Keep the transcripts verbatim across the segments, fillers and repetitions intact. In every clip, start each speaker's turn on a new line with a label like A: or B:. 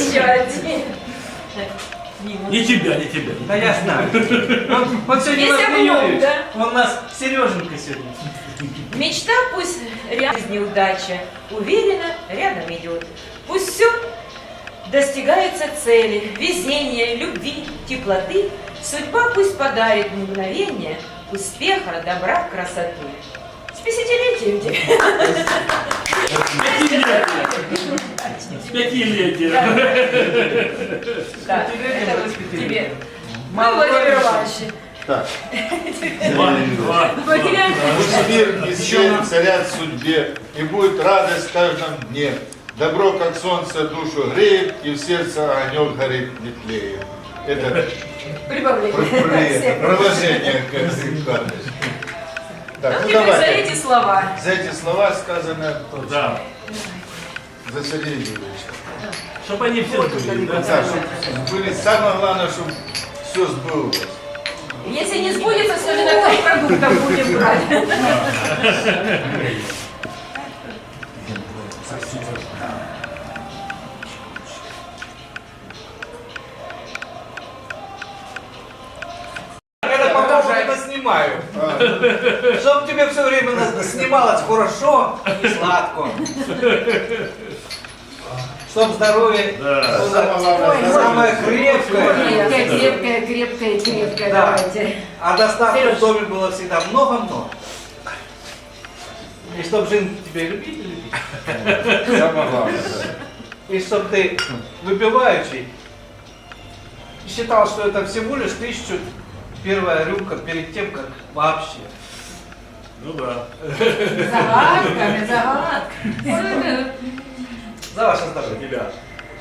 A: еще один.
B: Не тебя, не тебя.
C: Да я знаю. Вот, вот сегодня
A: Есть
C: вас
A: облом,
C: Юрий,
A: да?
C: он у нас Сереженька сегодня.
A: Мечта пусть рядом неудача, уверенно рядом идет. Пусть все достигается цели, везения, любви, теплоты. Судьба пусть подарит мгновение успеха, добра, красоты. С пятидесятилетием тебя.
B: С пятилетия.
A: Да, это вот тебе. Мы, Владимир Иванович.
D: Так.
B: Два, два.
D: Пусть мир и свет царят в судьбе, и будет радость в каждом дне. Добро, как солнце, душу греет, и в сердце огонек горит не тлеет. Это
A: Прибавление.
D: продолжение к этой карточке. Так,
A: Ну,
D: ну
A: теперь за
D: давайте.
A: эти слова.
D: За эти слова сказано
B: Да.
D: за Сергея Юрьевича.
B: Чтобы они все были, да?
D: Да, чтобы были, самое главное, чтобы все сбылось.
A: Если не сбудется, все же такой продуктов будем брать.
C: Это пока это снимаю. Чтоб тебе все время на- снималось хорошо и сладко. Чтоб здоровье
B: Да.
C: было
D: Самое главное,
C: самое крепкое.
A: Крепкая, крепкая, крепкая, крепкая.
C: Да.
A: Давайте.
C: А доставки
A: Серёж.
C: в доме было всегда много-много. И чтоб жизнь тебя любить и любить.
D: Самое главное, да.
C: И чтоб ты, выпивающий, считал, что это всего лишь тысячу первая рюмка перед тем, как вообще.
B: Ну да.
A: Загадками, загадками.
C: За ваше здоровье.
B: Тебя.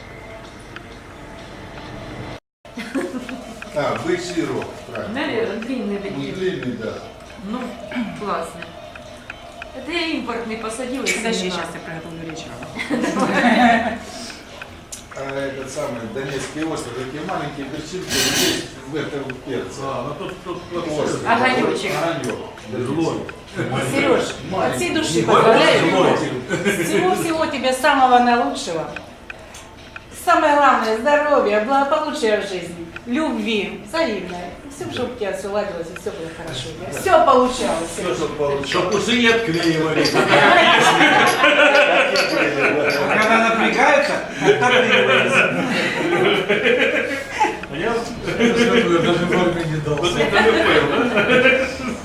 D: А, бычий рог, правильно.
A: Наверное, длинные
D: Ну,
A: такие.
D: длинный, да.
A: Ну, классно. Это я импортный посадила. из
E: Подожди,
A: семена.
E: сейчас я приготовлю речь.
D: А этот самый Донецкий остров, такие маленькие перчинки, здесь в этом перце.
B: А, ну тут, тут, тут.
D: Остров.
A: Огонечек.
D: Огонек.
B: Злой.
E: Сереж, от всей души
B: Ой,
E: поздравляю.
B: злой.
E: Всего-всего тебе самого наилучшего. Самое главное, здоровья, благополучия в жизни, любви, взаимной. Все, чтобы у тебя все ладилось и все было хорошо. Все получалось.
D: Все, что получилось.
B: Чтоб усы не отклеивались.
C: А когда напрягаются, отторгиваются.
B: А я даже форме не дал. Вот это я понял, да?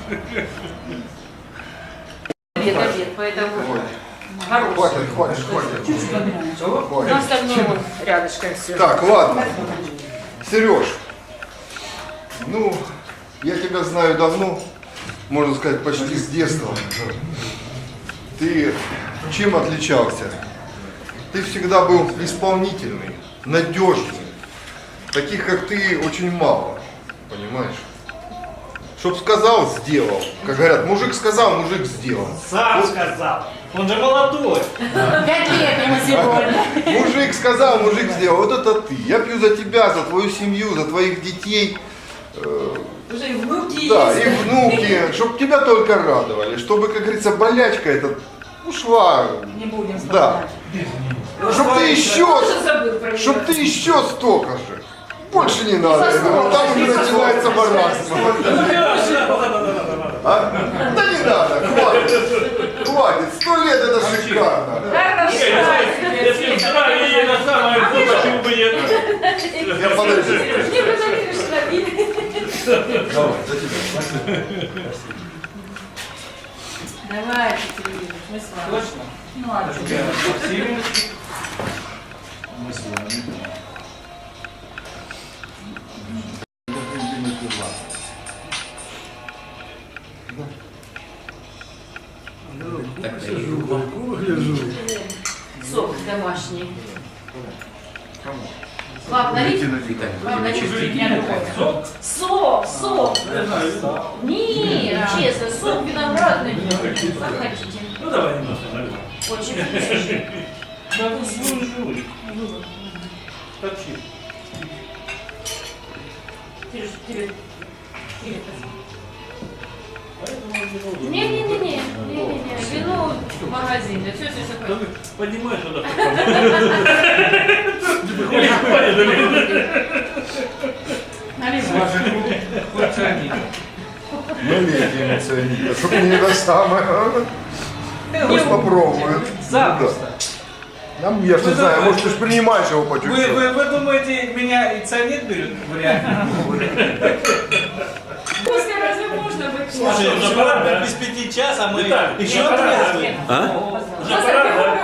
A: Обед, обед, поэтому хороший.
D: Хватит, хватит, хватит.
C: Чего?
A: На
D: Хватит.
A: остальное вон рядышком все.
D: Так, ладно. Сереж, ну, я тебя знаю давно, можно сказать, почти с детства. Ты чем отличался? Ты всегда был исполнительный, надежный. Таких, как ты, очень мало, понимаешь? Чтоб сказал, сделал. Как говорят, мужик сказал, мужик сделал.
B: Сам сказал. Он же молодой.
E: Пять лет ему сегодня.
D: Мужик сказал, мужик сделал. Вот это ты. Я пью за тебя, за твою семью, за твоих детей. Э,
A: Уже и внуки
D: Да,
A: есть.
D: и внуки, чтобы тебя только радовали, чтобы, как говорится, болячка эта ушла.
E: Не будем
D: Да.
E: вспоминать.
D: Чтобы ты еще,
A: Тоже забыл про
D: чтобы
A: неё.
D: ты еще столько же. Больше не надо. Я говорю, там уже начинается маразм. А? Да не надо, хватит. Хватит. Сто лет это шикарно.
A: Хорошо.
B: Если вчера и на самое то, почему бы нет?
D: Я подожди.
A: Не проверишь, набили.
D: Давай, за тебя.
E: Давайте, Сергей, мы с вами.
C: Точно?
E: Ну, а
C: Я
E: что?
C: тебя со всеми.
D: Мы с вами.
A: Сок домашний. Пап, налить? Пап, налить?
B: Сок?
A: Сок, сок. Нет, честно, сок виноградный. Как хотите.
B: Ну давай немножко нальем.
A: Очень вкусный.
B: Да, ну, жуй. Торчит.
A: Сереж, тебе. Тебе.
B: Поэтому не нужно.
A: Не-не-не, не-не-не, вино в магазине, все, все,
B: Да
A: все.
B: ты понимаешь, что это
D: ценить, чтобы не это самое. Пусть попробует.
C: Запросто.
D: Ну, я ж не
C: Вы
D: знаю,
C: думаете-
D: может ты ж принимаешь его по
C: Вы,
D: чуть-чуть.
C: вы, вы думаете, меня и цианид берет в реальном?
A: После разве можно быть?
B: Слушай, уже пора, да?
C: Без пяти час, а мы
B: Виталий,
C: еще
B: уже пора,
C: трезвые.
B: Уже пора, да?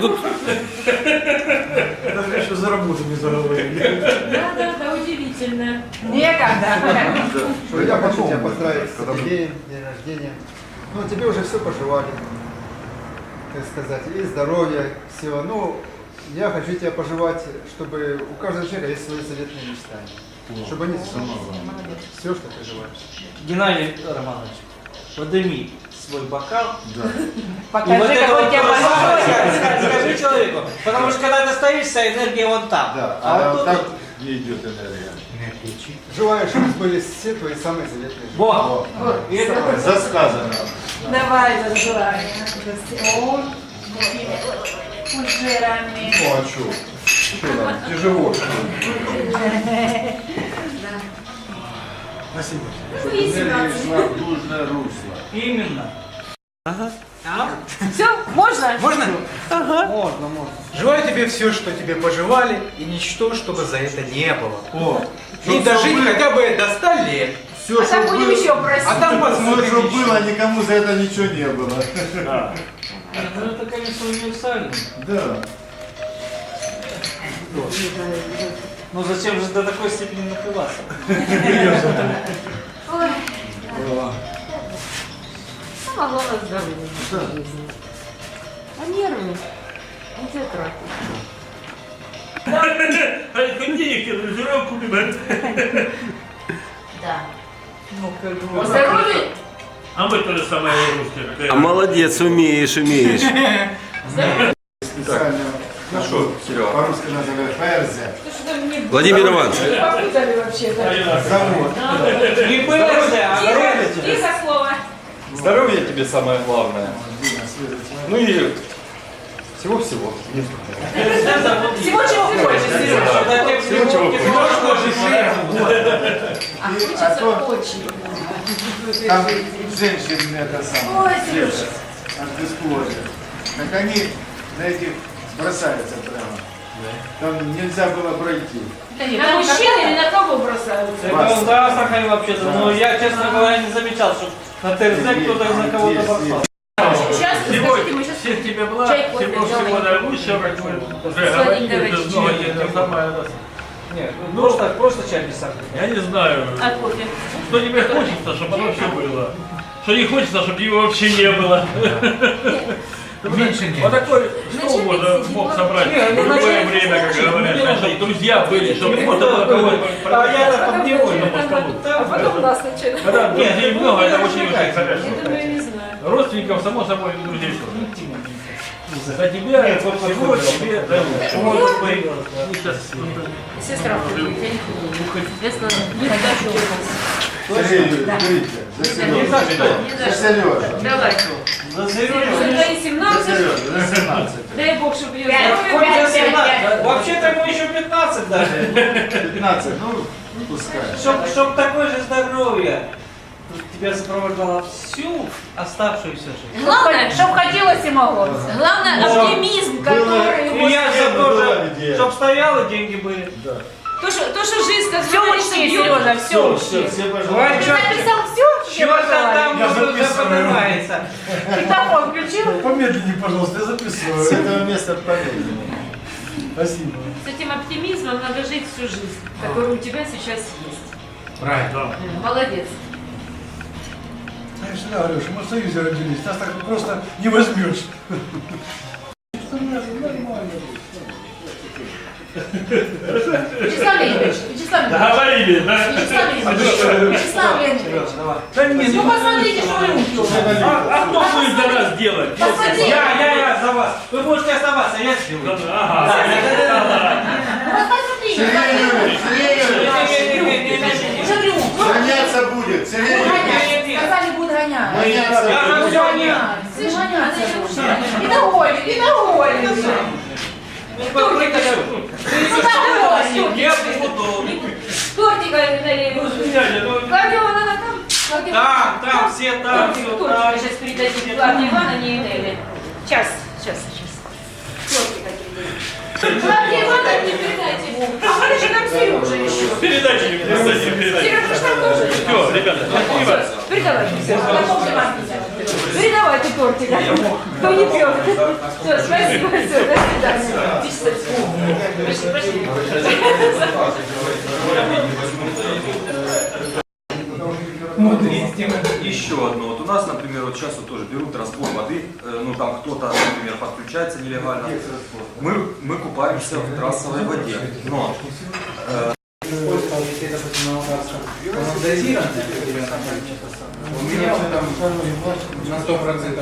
F: Даже еще за работу не заговорили.
A: Да, да, да, удивительно.
E: Некогда.
D: Что я
G: хочу
D: потом,
G: тебя поздравить
D: когда
G: с день, день рождения. Ну, тебе уже все пожелали, так сказать, и здоровья, всего. Ну, я хочу тебя пожелать, чтобы у каждого человека есть свои заветные мечтания. Чтобы они сбылись. Все, что ты желаешь.
C: Геннадий Романович, подними свой бокал.
D: Да.
E: Покажи,
C: вот это
E: какой
C: вот
E: у тебя
C: просто
E: большой.
C: скажи, скажи человеку. Потому что когда ты стоишь, вся энергия вон там.
D: Да,
C: А
D: а
C: вот тут
D: так
C: вот-
D: не идет энергия.
G: Желаю, чтобы сбылись все твои самые заветные желания.
C: Вот. И это
D: Засказано.
E: Давай, зажелай. О, фужерами.
D: Ну а что? Что там? Тяжело, что ли?
F: Спасибо.
A: Ну, и семнадцать.
D: в нужное русло.
C: именно.
E: Все, можно?
C: Можно?
G: Можно, можно.
F: Желаю тебе все, что тебе пожелали, и ничто, чтобы за это не было.
D: О,
F: И дожить хотя бы до ста лет.
D: все,
E: А там будем еще просить.
F: А там
D: Все,
F: посмотрим
D: что
F: еще.
D: было, никому за это ничего не было.
B: Да.
C: Ну это, конечно, универсально.
D: Да.
C: Ну зачем же до такой степени напиваться?
A: Ой, самое главное здоровье в нашей жизни. А нервы? Где тратить?
B: А хоть денег тебе жрем купим.
A: Да.
C: Ну как бы.
A: Здоровье?
B: А мы то же самое русские.
H: А молодец, умеешь, умеешь.
G: Специально.
D: Ну что, Серега?
G: По-русски называют ферзя.
H: Владимир Иванович,
E: Попутали вообще-то.
G: Завод.
C: Не пыльте, а
A: Тихо,
C: рулите.
A: тихо слово.
I: Здоровье тебе самое главное. Ну и всего-всего.
E: Всего, чего хочешь, Сережа.
C: Всего,
I: чего
A: А
G: И-
A: хочется
G: а то-
A: очень.
G: Там женщины это самое.
A: Ой, Сережа.
G: От бесплодия. Так они на этих бросаются прямо. Там нельзя было пройти.
A: На мужчин или на кого бросаются?
C: Это он за Астрахань вообще-то, но я, честно говоря, не замечал, что на ТРЗ кто-то на кого-то
G: Есть,
C: бросал.
A: Сейчас,
B: Всего,
A: скажите, мы сейчас...
B: всех тебе благ,
A: чай, кофе
B: всего всего
A: делаем.
B: наилучшего, как мы уже
A: Сладенького
B: говорили, ты
A: чуть-чуть.
B: много это самое.
C: Нет, ну просто, просто чай без сахара.
B: Я не знаю,
A: А кофе?
B: что тебе хочется, чтобы оно все было. Что не хочется, чтобы его вообще не было.
F: Меньше нет.
B: Вот такой
A: Начальник
B: стол можно
A: сидит,
B: мог
A: вот.
B: собрать
C: Не,
B: в
C: ну,
B: любое
C: начальник
B: время, как
C: сидит,
B: говорят,
C: ну,
B: чтобы друзья были, чтобы можно было кого-то
C: А я-то под него
B: на по столу.
A: А потом нас начали.
B: Когда
C: Нет,
B: друзей
C: ну,
B: много,
C: ну,
B: это
C: ну,
B: очень
C: ну,
B: очень
C: как?
A: Я
B: хорошо.
A: думаю, не знаю.
B: Родственников, само собой, и друзей тоже. За тебя,
C: Нет, вот
B: всего
C: вот
B: тебе дают.
C: Может быть.
B: Ну, сейчас,
A: Сестра уходит, я не буду. Если не хочу.
D: Сергей Юрьевич, берите. За
C: Не
D: Сережу.
C: за что.
D: За Сережу.
A: Давай.
C: За
A: За
C: Сережу.
A: твои
D: За
A: семнадцать.
D: Сережу. За семнадцать.
A: Дай Бог, чтобы ее
E: Пять.
A: здоровье
C: Хоть
A: было.
C: за семнадцать. Вообще-то ему еще пятнадцать даже.
D: пятнадцать, ну, пускай.
C: Чтоб, чтоб такое же здоровье тебя сопровождало всю оставшуюся жизнь.
A: Главное,
E: Чтоб хотелось и могло.
A: главное
C: Вот.
A: оптимизм, который...
C: И я за то
D: была
C: же,
D: идея.
C: чтоб стояло, деньги были.
A: То, что, то, что жизнь, как
E: Все
A: говорится,
E: учти,
A: бьет.
E: Сережа, все
D: Все,
E: учти.
D: все
C: Ой,
D: пожалуйста.
E: Ты
C: чё-
E: написал все,
C: Чего-то там
F: Я
C: уже
F: записываю.
C: поднимается.
E: Диктофон включил?
F: Помедленнее, пожалуйста, я
D: С
F: записываю.
D: этого места помедленнее.
F: Спасибо.
A: С этим оптимизмом надо жить всю жизнь, который у тебя сейчас есть.
F: Правильно.
A: Молодец.
F: Я всегда говорю, что мы в Союзе родились, нас так просто не возьмешь.
E: Вячеслав Леонидович, Вячеслав Леонидович.
B: Договорились, да?
E: Вячеслав Леонидович, Вячеслав Леонидович.
B: Да не,
E: Ну посмотрите, что вы руки у вас.
B: а, а кто будет за нас делать?
E: Посмотрите.
C: Я, я, я за вас. Вы можете оставаться, я сделаю.
B: Ага.
E: Ну посмотрите.
D: Сергей Юрьевич, Сергей Юрьевич,
E: Уже трюк.
D: гоняться будет. Сергей
E: Будут
D: Юрьевич,
E: гонять. Сказали, будут гонять.
D: гоняться
C: Я за
D: будет.
C: все нет.
E: Все гоняться будут. И довольны, и довольны.
C: Кто
E: Ну так и
C: Я буду.
A: Тортика налей.
B: Ну, дядя, ну,
A: Кардио надо там.
C: Там, там, все там, все
A: Тортик
C: там.
A: сейчас передадим Клавдии Ивановне и Нелли. Сейчас, сейчас, сейчас. Тортик какие-то. Клавдии Ивановне передайте. А подожди, там Сережа еще.
B: Передачи не передачи, передачи.
A: Сережа ж там тоже.
B: Все, ребята,
A: Все, передавайте, все. Передавайте тортик. Кто не пьет. Все, спасибо, все, до свидания. Пошли, пошли.
I: Еще одно. Вот у нас, например, вот сейчас вот тоже берут разбор воды, э, ну там кто-то, например, подключается нелегально. Мы, мы купаемся в трассовой воде. Но э,
C: Если, допустим, на Луганском дозированное определенное количество, у меня он там на сто процентов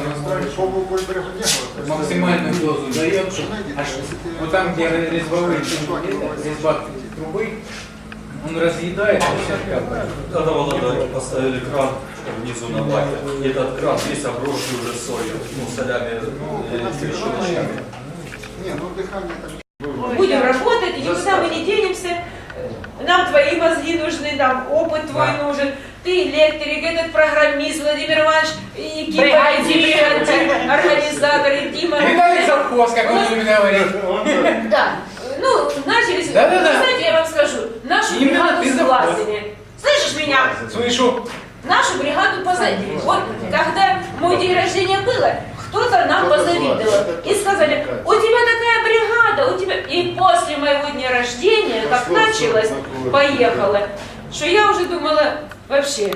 C: настроен, максимальную дозу дает, а что, вот там, где резьбовые резьба трубы, он разъедает, а все капает.
B: Когда Волода поставили кран внизу на баке, и этот кран весь обросший уже солью, ну, солями, э, трещоточками.
D: Не, ну дыхание так.
A: Будем работать, и никуда мы не денемся. Нам твои мозги нужны, нам опыт твой
C: Да.
A: нужен. Ты электрик, этот программист, Владимир Иванович, и Кипа, и Дима, организатор, и Дима.
C: Виталий Завхоз, как он любит говорить.
A: Да, ну, начались,
C: Да, да, да.
A: знаете, я вам скажу, нашу
C: Именно
A: бригаду
C: ты
A: сглазили. Слышишь меня?
C: Слышу.
A: Нашу бригаду позавидовали. Вот когда мой день рождения было, кто-то нам позавидовал. И сказали, у тебя такая бригада, у тебя... И после моего дня рождения, как началось, поехала, что я уже думала, вообще,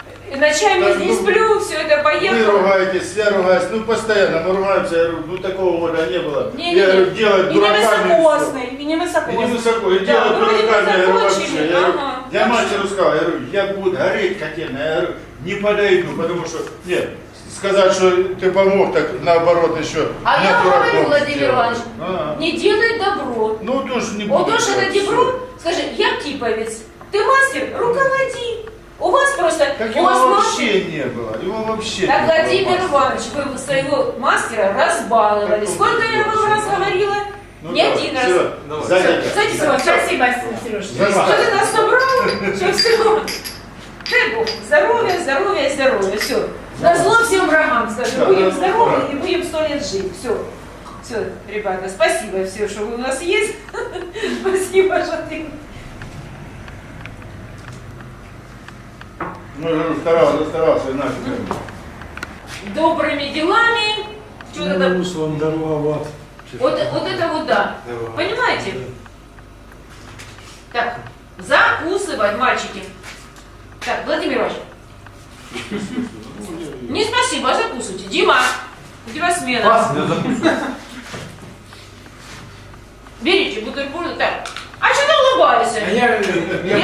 A: ночами не сплю, все это
J: Вы
A: поехало.
J: ругаетесь, я ругаюсь, ну постоянно мы ругаемся, я говорю, ну такого года не было.
A: Не,
J: я
A: не,
J: говорю,
A: не.
J: делать
A: И не
J: дураками.
A: высокосный, и не
J: И не
A: высокосный.
J: высоко, и
A: Да,
J: делать
A: вроде бы
J: дураками, я говорю,
A: закончили,
J: вообще. Я, говорю,
A: ага.
J: я
A: Так
J: матери
A: что-
J: сказал, я говорю, я буду гореть котельно, я говорю, не подойду, потому что, нет, сказать, что ты помог, так наоборот еще.
A: А
J: меня
A: я
J: дураком
A: говорю, Владимир
J: сделал.
A: Иванович,
J: А.
A: не делай добро.
J: Ну тоже не
A: Вот
J: буду
A: уж это
J: делать,
A: добро, скажи, я киповец, ты мастер, руководи. У вас просто...
J: Так
A: у
J: его
A: вас
J: вообще не было, его вообще
A: Так,
J: не было.
A: Владимир
J: мастера.
A: Иванович, вы своего мастера разбаловали.
J: Так,
A: Сколько я вам раз говорила?
J: Ну,
A: Не
J: давай,
A: один раз.
J: всё, садитесь.
A: Садитесь, Иван, спасибо, Сереж.
J: За вас.
A: Что ты нас собрал? Что все? Дай Бог, здоровья, здоровья, здоровья, все. На зло всем врагам, скажи,
J: Да,
A: будем
J: да,
A: здоровы
J: да.
A: и будем сто лет жить. Все. Все, ребята, спасибо все, что вы у нас есть. Спасибо, что ты...
J: Ну, я говорю, старался, старался, иначе.
A: Добрыми делами. Что-то там...
F: Руслан даровал.
A: Вот, вот это вот да. Понимаете? Так, закусывать, мальчики. Так, Владимир Иванович. Не спасибо, а закусывайте. Дима, у тебя смена.
I: я закусываю.
A: Берите бутерброды. Так, а что ты улыбаешься?
C: А я, я